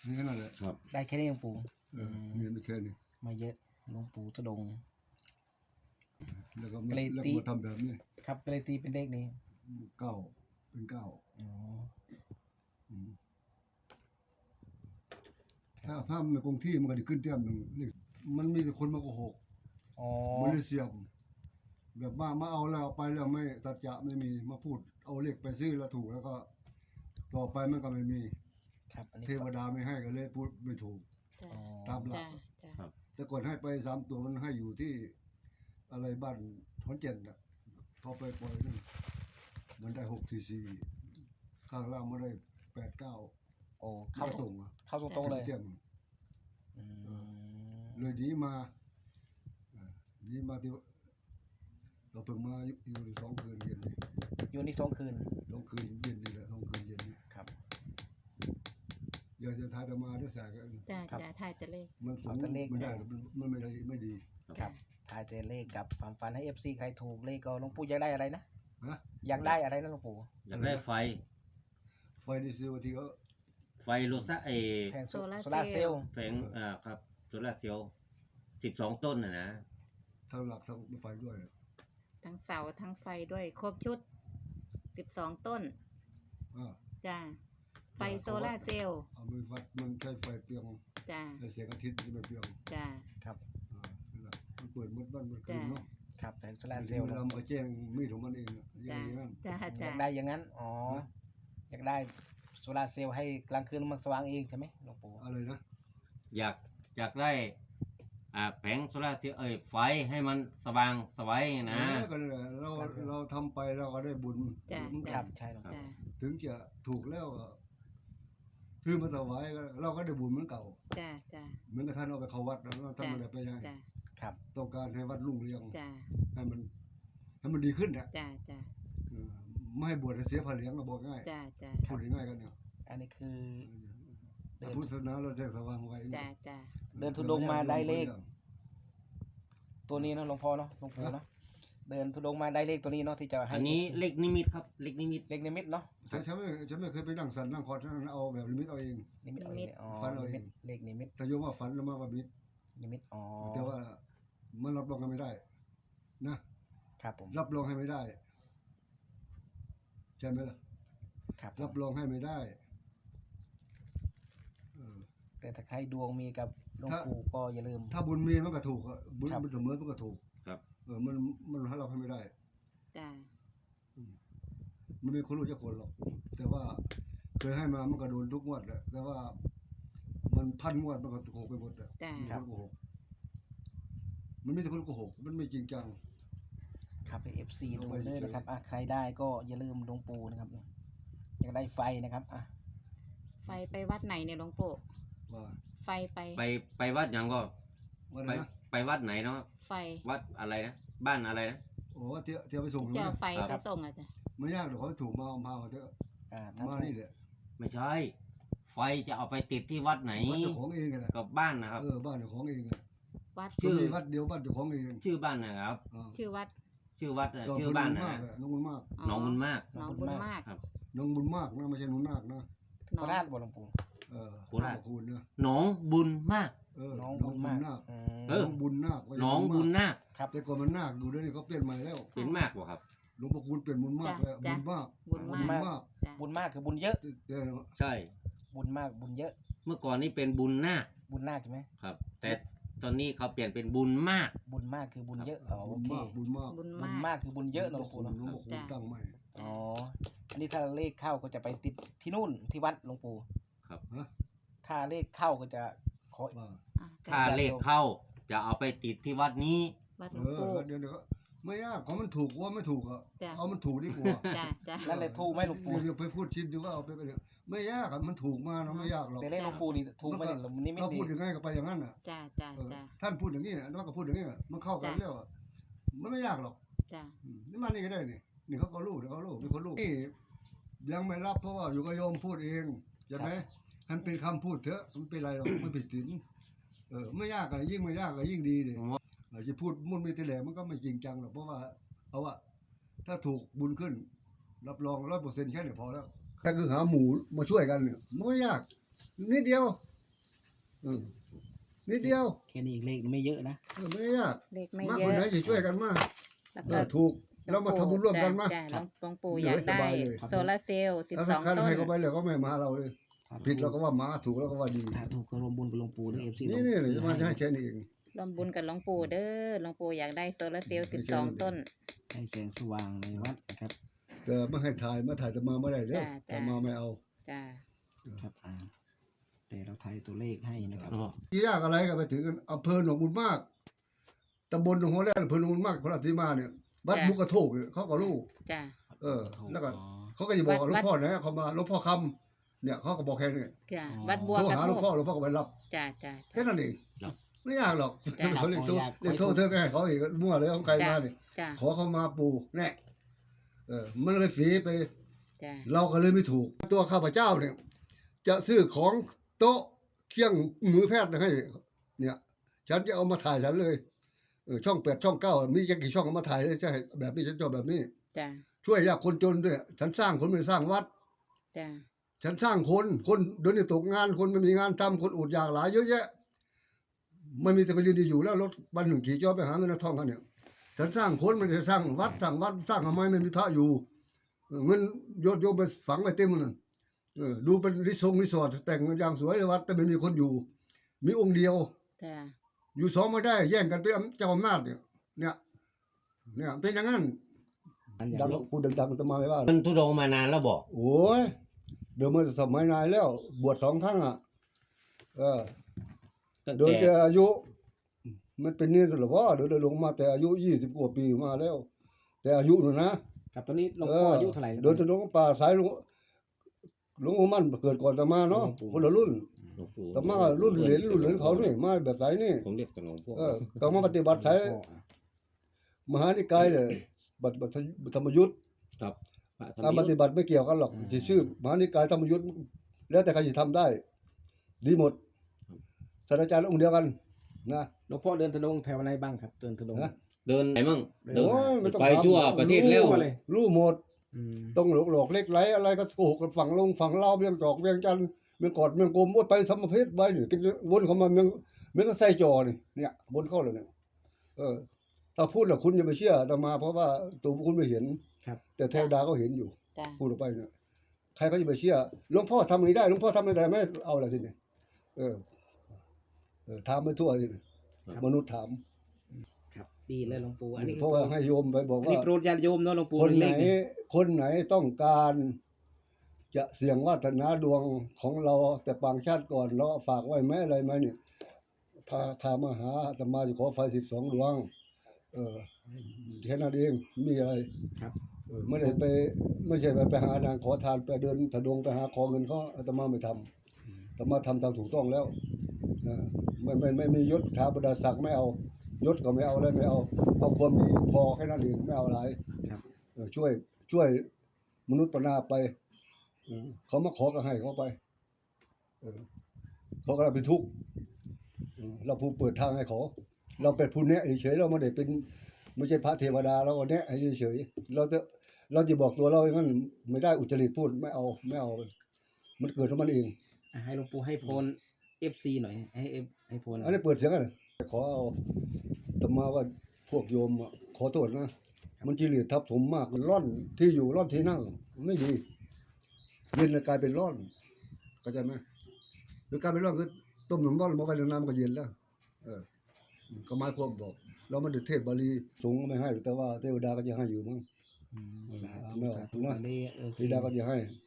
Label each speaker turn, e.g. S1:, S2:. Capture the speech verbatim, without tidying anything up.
S1: นี่แค่นั้นแหละ
S2: ครับ
S3: ได้แค่นี้หลวงปู่
S1: เออเงินไม่แค่นี้
S3: มาเยอะหลวงปู่ทุดงค์
S1: แล้วก็
S3: เกรด
S1: แล้ว
S3: ตี
S1: ก็มาทำแบบนี้
S3: ครับก็เลยตีเป็นเลขนี้
S1: เก้าเป็นเก้า
S3: อ๋อ
S1: อืมถ้าภาพมันคงที่มันก็จะขึ้นเต็มหนึ่งเลขมันมีแต่คนมาโกหก
S3: อ๋อ
S1: มันเลยเสียมแบบมามาเอาแล้วเอาไปแล้วไม่สัจจะไม่มีมาพูดเอาเลขไปซื้อแล้วถูกแล้วก็ ต่อไปมันก็ไม่มี
S3: ครับอันนี้
S1: เทวดาไม่ให้ก็เลยพูดไม่ถูก
S4: จ้ะ
S3: อ๋อ
S1: ตามหลั
S4: จ้ะ
S1: ก
S4: จ้ะ
S1: แต่ก่อนให้ไปสามตัวมันให้อยู่ที่อะไรบ้านขอนแก่นอ่ะพอไปปล่อยนั่นมันได้หกสี่สี่ข้างล่างมันได้แปดเก้า
S3: โอ้
S1: เข้า
S3: เข้า
S1: ตรงอ่ะ
S3: เข้าตรงๆเลย
S1: เต็ม
S3: อืม
S1: เลยหนีมาเอ่อหนีมาที่เราเพิ่งมาอยู่อยู่สองคืนเย็นนี่
S3: อยู่นี่สองคืน
S1: สองคืนเย็นนี่แหละสองคืนเย็นนี่
S3: ครับ
S1: เดี๋ยวจะทายจะมาด้วยสายกัน
S4: จ้ะ
S3: ครับ
S4: จ้ะถ่ายแต่เลข
S1: มันสูง
S3: เอาแต่เลข
S1: ไม่ได้มันมันไม่ได้ไม่ดี
S3: ครับทายแต่เลขกับความฝันให้เอฟซีใครถูกเลขก็หลวงปู่อยากได้อะไรนะ
S1: ฮะ
S3: อยากได้อะไรนะหลวงปู่
S2: อยากได้ไฟ
S1: ไฟดีเซลที่เขา
S2: ไฟโลซาเอ
S3: แผงโซ
S4: โซลาร์
S3: โซลาร์เซ
S4: เซ
S3: ล
S4: ลล์
S3: ล์
S2: แผงอ่าครับโซลาร์เซลล์สิบสองต้นนะนะ
S1: ทั้งหลักทั้งไฟด้วย
S4: ทั้งเสาทั้งไฟด้วยครบชุดสิบสองต้น
S1: อ่า
S4: จ้ะไฟโซลาร์เซลล์
S1: เอามือวัดมันใช้ไฟเปลียง
S4: จ้ะ
S1: ในแสงอาทิตย์ที่มันเปลียง
S4: จ้ะ
S3: ครับ
S1: อ่านั่นแหละมันเปิดมืดวันมันคืนเนาะ
S3: ครับแผงโซลาร์เซ
S1: เซ
S3: ล
S1: ล
S3: ล์
S1: ล์ดำก็แจ้งมีดของมันเองอะอ
S4: จ้ะ
S1: ย่างนั้น
S4: จ้ะ
S3: อ
S4: จ้ะ
S3: ยากได้อย่างนั้นอ๋ออยากได้โซลาร์เซลล์ให้กลางคืนมันสว่างเองใช่ไหมหลวงปู่
S1: อะไรนะ
S2: อยากอยากได้อ่าแผงโซลาร์เซลล์เอ้ยไฟให้มันสว่างสวัยนะ
S1: เออก็นั่นแหละเราเราทำไปเราก็ได้บุญ
S4: จ้ะ
S1: เหมือน
S3: ค
S1: กั
S3: รั
S1: น
S3: บใช่หลวงปู่
S4: จ้ะ
S1: ถึงจะถูกแล้วก็คือมาถวายก็เราก็ได้บุญเหมือนเก่า
S4: จ้ะจ้ะ
S1: เหมือนกับท่านเอาไปเข้าวัดแล้วท่านไม่ได้ไปยังไง
S4: จ้ะ
S3: ครับ
S1: ต้องการให้วัดรุ่งเรือง
S4: จ้ะ
S1: ให้มันให้มันดีขึ้นเนี่ย
S4: จ้ะจ้ะ
S1: เออไม่ให้บวชให้เสียผ้าเหลืองก็บอกง่าย
S4: จ้ะจ้ะ
S1: พูดง่ายๆกันเนี่ย
S3: อันนี้คือ เดิน
S1: พุทธศาสนาเราแจ้งสว่างไว้
S4: จ้ะจ้ะ
S3: เดินธุดงค์มาได้เลข ตัวนี้เนาะหลวงพ่อเนาะหลวงปู่เนาะเดินธุดงค์มาได้เลขตัวนี้เนาะที่จะให้
S2: อันนี้เลขนิมิตครับเลขนิมิต
S3: เลขนิมิตเนาะ
S1: ฉันฉันไม่ฉันไม่เคยไปนั่งสันนั่งคอร์ดนั่งเอาแบบลิมิตเอาเอง
S3: นิมิตเอาเองอ๋อ
S1: ฝันเอาเอง
S3: นิมิตเลขนิมิต
S1: แต่โยมว่าฝันแล้วมาว่ามิต
S3: นิมิตอ๋อ
S1: แต่ว่ามันรับรองกันไม่ได้ นะครับ
S3: ผม
S1: รับรองให้ไม่ได้ใช่ไหมล่ะ
S3: ครับ
S1: รับรองให้ไม่ได้เออ
S3: แต่ถ้าใครดวงมีกับหลวง
S1: ถ้า
S3: ปู่ก็อย่าลืม
S1: ถ้าบุญมีมันก็ถูกอะบุญ
S3: ครับ
S1: มันเสมอมันก็ถูก
S2: ครับ
S1: เออมันมันให้เราให้ไม่ได้
S4: จ้ะ
S1: มันไม่คนรู้จะคนหรอก แต่ว่าเคยให้มามันก็โดนทุกงวดแหละแต่ว่า มันพันงวดมันก็โกหกไปหมดอะ
S4: จ้ะ
S1: มีคนโกหกมันมีแต่คนโกหกมันไม่จริงจัง
S3: ครับเอฟซี
S1: ล
S3: ดู
S1: งไป
S3: เลย
S1: เฉย
S3: นะครับอ่ะใครได้ก็อย่าลืมหลวงปู่นะครับอยากได้ไฟนะครับอ่ะ
S4: ไฟไปวัดไหนเนี่ยหลวงปู่
S1: ว่า
S4: ไฟไป
S2: ไปไปวัดหยังก็
S1: ว่า
S2: ไป
S1: ไงนะ
S2: ไปวัดไหนเนาะ
S4: ไฟ
S2: วัดอะไรนะบ้านอะไรนะ
S1: โอ้เที่ยวเที่ยวไปส่ง
S4: เจ้า
S1: นะ
S4: ไฟไปส่งอ่ะจ้ะ
S1: ไม่ยากเดี๋ยวเขาถูกมาเอามาเอาเถอะ
S3: อ่าถ้า
S1: มา
S3: ถู
S1: นี่
S3: ก
S1: แหละ
S2: ไม่ใช่ ไฟจะเอาไปติดที่วัดไหน
S1: วัดเจ้าของเองแหละ
S2: กับบ้านนะครับ
S1: เออบ้านเจ้าของเองอะ
S4: วัด
S2: ชื่อ
S1: มีวัดเดียวบ้านเจ้าของเอง
S2: ชื่อบ้านนะครับ
S1: อ่า
S4: ชื่อวัด
S2: ชื่อวัดน่ะ
S1: เจ้
S2: ชื่อบ้านนะ
S1: มาก
S2: นะ
S1: เลยน้องบุญมาก
S2: หน้องบุญมาก
S4: น้องบุญมาก
S2: ครับ
S1: น้องบุญมากนะไม่ใช่หนุนนาคนะ
S3: โคราชบ่หลวงปู่
S1: เออ
S2: โคราช
S1: ขอบคุณนะ
S2: หนองบุญมาก
S1: เออ
S3: น้อง
S1: น้
S3: บุ
S1: อง
S3: ญ
S1: บุ
S3: มาก
S1: ญนาค
S3: อืม
S2: เออ
S1: น้องบุญนาคไม่ใช่
S2: หนองบุญนาค
S3: ครับ
S1: แต่ก่อนมันนาคอยู่เดี๋ยวนี้เขาเปลี่ยนใหม่แล้ว
S2: เป็นมากกว่าครับ
S1: หลวงพ่อคูณเปลี่ยนบุญมากแล้วบุญมาก
S4: บุญ
S3: บุ
S4: มาก
S3: ญมาก
S1: มาก
S4: จ้ะ
S3: บุญมากคือบุญเยอะ
S1: แต่
S2: ใช่
S3: บุญมากบุญเยอะ
S2: เมื่อก่อนนี่เป็นบุญนาค
S3: บุญนาคใช่ไหม
S2: ครับ แต่ตอนนี้เขาเปลี่ยนเป็นบุญมาก
S3: บุญมากคือบุญเยอะอ๋อ
S1: บุ
S3: โอ
S1: ญ
S3: เค
S1: มากบุญมาก
S4: บุญ
S3: บุญ
S4: มาก
S3: มากคือบุญเยอะนะหลวง
S1: หลว
S3: ปู่
S1: ง
S3: เนาะ
S1: พ่อคูณตั้งใหม่
S3: อ๋ออันนี้ถ้าเลขเข้าก็จะไปติดที่นู่นที่วัดหลวงปู่
S2: ครับ
S1: ฮะ
S3: ถ้าเลขเข้าก็จะขอ
S1: ว่า
S4: อ่ะ
S2: ถ้าเลขเข้าจะเอาไปติดที่วัดนี้
S4: วัดหล
S1: เอ
S4: วง
S1: อ
S4: ปู่
S1: เดี๋ยวเดี๋ยวก็ไม่ยากของมันถูกว่าไม่ถูกอ่ะ
S4: จ้ะ
S1: เอามันถูกดีกว่า
S4: จ้ะจ้ะ
S3: นั่นเลยถูกไหมหลวงปู่
S1: เดี๋ยวไปพูดชินดูว่าเอาไปไปเดี๋ยวไม่ยากอ่ะมันถูกมาเนาะไม่ยากหรอก
S3: แต่เลขหลวงปู่นี่ถูกไหมเนี่ยนี่ไม่
S1: เขา
S3: ดี
S1: พูดยังไงก็ไปอย่างนั้นอ่ะ
S4: จ้ะจ้ะ
S1: เออ
S4: จ้ะ
S1: ท่านพูดอย่างนี้นะน้องก็พูดอย่างนี้อะมันเข้ากันแล้วอะมันไม่ยากหรอก
S4: จ้ะ
S1: อืมนี่มานี่ก็ได้นี่นี่เขาก็รู้เดี๋ยวเขารู้มีคนรู้นี่ยังไม่รับเพราะว่าอยู่กับโยมพูดเองใช่ไหมมันเป็นคำพูดเถอะมันเป็นไรหรอกมันผิดศีลเออไม่ยากอะยิ่งไม่ยากอะยิ่งดีเลย
S2: อ๋อ
S1: อาจจะพูดมุ่นมีแต่แหลมันก็ไม่จริงจังหรอกเพราะว่าเอาว่าถ้าถูกบุญขึ้น รับรองร้อยเปอร์เซ็นต์แค่นี้พอแล้วถ้าคือหาหมูมาช่วยกันเนี่ยมันไม่ยากนิดเดียวอืมนิดเดียว
S3: แค่นี้อีกเลขไม่เยอะนะ
S1: เออไม่ยาก
S4: เลขไม่
S1: มาก
S4: เย
S1: คน
S4: อะ
S1: ไหนจะช่วยกันมาก
S4: แล้ว
S1: เอ
S4: ก็
S1: อถูกเรามาทำบุญร่วมกันมา
S4: จ้ะจ้ะหลวงหลวงปู่
S1: เหลื
S4: อ
S1: อย
S4: าก
S1: ส
S4: ได้
S1: บายเลย
S4: โซลาร์เซลล์สิบ
S1: แล้ว
S4: ส
S1: ถ้า
S4: อง
S1: คัน
S4: ต้น
S1: ให้เขาไปเลยก็ไม่มาเราเลย ผิดเราก็ว่าหมาถูกเราก็ว่าดี
S3: ถ้าถูกก็รวมบุญกับหลวงปู่ด้วยเอฟซี
S1: นี่นี่จะมาจะให้แค่นี้เอง
S4: รวมบุญกับหลวงปู่เด้อหลวงปู่อยากได้โซลาร์เซลล์สิบสองต้น
S3: ให้แสงสว่างในวัดนะครับ
S1: แต่ไม่ให้ถ่ายมาถ่ายแต่มาไม่ได้เด้อ
S4: จ้ะ
S1: แต่
S4: จ้ะ
S1: มาไม่เอา
S4: จ้า
S3: ครับอ่าแต่เราทายตัวเลขให้นะครับ
S2: อ๋อ
S1: ที่ยากอะไรก็ไปถึงอำเภอหนองบุญมากตำบลหนองหัวแร่อำเภอหนองบุญมากคนละที่มาเนี่ยวัดมุกกระโทกเนี่ยเขาก็รู้
S4: จ้า
S1: เออ แล้วก็
S3: อ๋อ
S1: เขาก็จะบอกว่าหลว
S4: วั
S1: ง
S4: ด
S1: พ่อไหนเขามาหลวงพ่อคำเนี่ยเขาก็บอกแค่นี้
S4: จ้า
S3: อ๋อ
S4: วัดบัว
S1: โทร
S4: กระ
S1: หาหลวง
S4: โท
S1: พ่อก หลวงพ่อก็ไปรับ
S4: จ้าจ้า
S1: แค่นั้นเอง
S2: ครับ
S1: ไม่ยากหรอก
S3: จ้ะ
S1: เขาเรียกโทร
S3: อยาก
S1: เรียกโทรเธอก็ให้เขาอีกมั่วเลยของใครมาเนี่ย
S4: จ้า
S1: ขอเขามาปูแน่เออมันเลยฝีไป
S4: จ้า
S1: เราก็เลยไม่ถูก ตัวข้าพเจ้าเนี่ย จะซื้อของโต๊ะเคียงมือแพทย์ให้ เนี่ย ฉันจะเอามาถ่ายฉันเลยเออช่องแปดช่องเก้ามีจะกี่ช่องเอามาถ่ายเลยใช่แบบนี้ฉันชอบแบบนี้
S4: จ้า
S1: ช่วยยากคนจนด้วยฉันสร้างคนไม่ได้สร้างวัด
S4: จ้า
S1: ฉันสร้างคนคนเดี๋ยวนี้ตกงานคนไม่มีงานทำคนอดอยากหลายเยอะแยะไม่มีแต่ไปเรียนดีอยู่แล้วรถวันหนึ่งขี่จอไปหาเงินเอาทองกันเนี่ยฉันสร้างคนไม่ได้สร้างวัดสร้างวัดสร้างทำไมไม่มีพระอยู่เออเงินโยนโยมไปฝังไว้เต็มเลยเออดูเป็นรีสอร์ทรีสอร์ทแต่งอย่างสวยเลยวัดแต่ไม่มีคนอยู่ มีองค์เดียว
S4: จ้า
S1: อยู่สองไม่ได้ แย่งกันเป็นเจ้าอำนาจเนี่ย เนี่ย เนี่ยเป็นอย่างนั้น
S3: อันอ
S1: ดั
S3: ย่าง ง
S1: พูดดังๆจะมาไม่ว่า
S2: มันทุดงค์มานานแล้วบอก
S1: โอ้ยเดี๋ยวมันสมัยนายแล้ว บวชสองครั้งอ่ะ เออ
S2: ตั้ง
S1: เดิน
S2: แต่
S1: แต่อายุ มันเป็นเนี่ยหรือว่าเดินลงมาแต่อายุยี่สิบกว่าปีมาแล้ว แต่อายุน่ะนะ
S3: กับตอนนี้หลวงพ่ออายุเท่าไหร่
S1: เดินจะลงป่าสายหลวงหลวงปู่มั่นเกิดก่อนแต่มาเนาะ
S3: หลวงปู่
S1: คนละรุ่น
S2: หลวงปู่
S1: แต่มารุ่นเหรียญรุ่นเหรียญเขานี่มาแบบสายนี่
S2: ผมเรียกแต่หลวงพ่อ
S1: เออต้องมาปฏิบัติสายมหานิกายเนี่ยบัตรบัตรธรรมยุทธ์
S2: ครับพระธรร
S1: การ
S2: ม
S1: ป
S2: ยุท
S1: ฏิ
S2: ธ์
S1: บัติไม่เกี่ยวกันหรอกที่ชื่อมหานิกายธรรมยุทธ์แล้วแต่ใครจะทำได้ ดีหมดศาสตราจารย์องค์เดียวกัน นะ
S3: หลวงพ่อเดินธุดงค์แถวไหนบ้างครับ เดินธุดงค์
S1: นะ
S2: เดินไหนมั่งเดิน
S1: โอ้ยไม่ต้อง
S2: ไป
S1: ถาม
S2: ทั่วประเทศแล้ว
S3: รู้มาเลย
S1: รู้หมด
S3: อืม
S1: ต้องหลอกหลอกเล็กไหลอะไรก็โกหกกันฝั่งลงฝั่งเล่าวเวียงจอกเวียงจันทร์เมืองกอดเมืองกลมวดไปสมเพศไปนี่กินวนเข้ามาเมืองเมืองก็ใส่จอนี่เนี่ยวนเข้าเลยเนี่ยเออ ถ้าพูดแล้วคุณอย่าไปเชื่ออาตมาเพราะว่าตัวคุณไม่เห็น
S3: ครับ
S1: แต่เทวดาก็เห็นอยู่
S4: จ้า
S1: พูดออกไปเนี่ยใครก็จะไปเชื่อหลวงพ่อทำอย่างนี้ได้หลวงพ่อทำอะไรได้ไม่เอาอะไรทีนี้เออ เออถามไปทั่วทีนี้มนุษย์ถาม
S3: ครับดีเลยหลวงปู่อันนี้
S1: เพราะว่าให้โยมไปบอก
S3: อัน
S1: ว่า
S3: นี้โปรดญาติโยมเนาะหลวงปู่
S1: คนไหน
S3: เลขนี่
S1: คนไหนต้องการจะเสี่ยงวาสนาดวงของเราแต่ปางชาติก่อนเราฝากไว้ไหมอะไรไหมเนี่ยพาพามาหาอาตมาจะขอไฟสิบสองดวง เออแค่นั้นเองไม่มีอะไร
S3: ครับ
S1: เออไม่ได้ไปไม่ใช่ไปไปหานางขอทานไปเดินถดงไปหาขอเงินเขาอาตมาไม่ทำอาตมาทำตามถูกต้องแล้วนะไม่ไม่ไม่ไม่ยศถาบรรดาศักดิ์ไม่เอายศก็ไม่เอาอะไรไม่เอาเอาความดีพอแค่นั้นเองไม่เอาอะไร
S3: ครับ
S1: เออช่วยช่วยมนุษย์ปนาไปเออเขามาขอก็ให้เขาไปเออเขาก็เป็นทุกข์เออเราผู้เปิดทางให้เขาเราเป็นผู้แนะเฉยๆเราไม่ได้เป็นไม่ใช่พระเทวดาเราก็แนะให้เฉยๆเราจะเราจะบอกตัวเราอย่างนั้นไม่ได้อุจริตพูดไม่เอาไม่เอา มันเกิดของมันเอง
S3: อ่ะให้หลวงปู่ให้พรเอฟซีหน่อยให้เอฟให้พร
S1: อันนี้เปิดเสียงกันขอเอาธรรมาว่าพวกโยมอะขอโทษนะ มันจิริตทับถมมากร่อนที่อยู่ร่อนที่นั่ง ไม่ดีเย็นแล้วกลายเป็นร่อนเข้าใจไหมหรือกลายเป็นร่อนคือต้มน้ำร้อนมาไว้ในน้ำมันก็เย็นแล้ว เออก็หมายความบอก เรามันเดือเทศบาลีสงฆ์ก็ไม่ให้หรอกแต่ว่าเทวดาก็จะให้อยู่มั้ง
S3: อืมสาธุ
S1: ไม่เอา
S3: สาธุ
S1: นะ
S3: อันนี้โอเค
S1: เทวดาก็จะให้
S3: ค